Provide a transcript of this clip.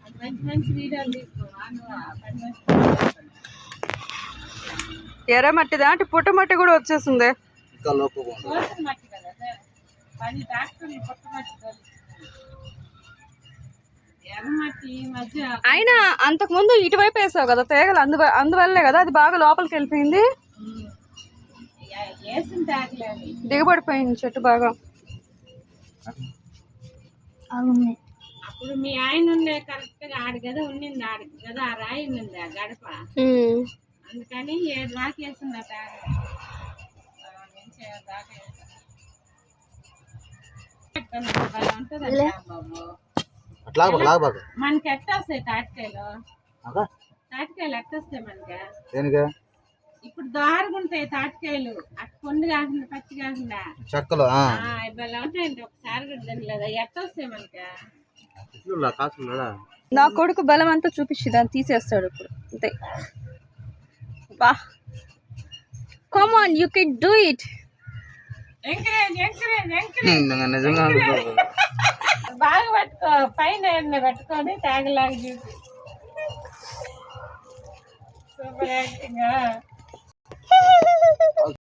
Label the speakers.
Speaker 1: ఎర్ర మట్టి దాంటి పుట్ట మట్టి కూడా వచ్చేసింది. అయినా అంతకు ముందు ఇటువైపు వేసావు కదా తీగలు, అందువల్లే కదా అది బాగా లోపలికి వెళ్ళిపోయింది. దిగబడిపోయింది చెట్టు బాగా.
Speaker 2: అప్పుడు మీ ఆయన ఉండే కరెక్ట్ గా ఆడి కదా ఉండింది, ఆడికి కదా ఆ రాయి ఉండింది ఆ గడప, అందుకని 7 దాకా వేసింది మనకి ఎట్ట వస్తాయి తాటికాయలు, తాటికాయలు ఎట్ట వస్తాయి మనకి? ఇప్పుడు దారుగుంటాయి తాటికాయలు, అటు పండు కాకుండా పచ్చి కాకుండా చెక్కలు ఉంటాయండి. ఒకసారి కూడా తినలేదా? ఎట్ట వస్తాయి మనకి?
Speaker 1: నా కొడుకు బలం అంతా చూపించి దాన్ని తీసేస్తాడు ఇప్పుడు అంతే. బా come on, you can do it.
Speaker 2: బాగా పట్టుకో, పైన పెట్టుకొని తేగలాగా చూసి. Super acting.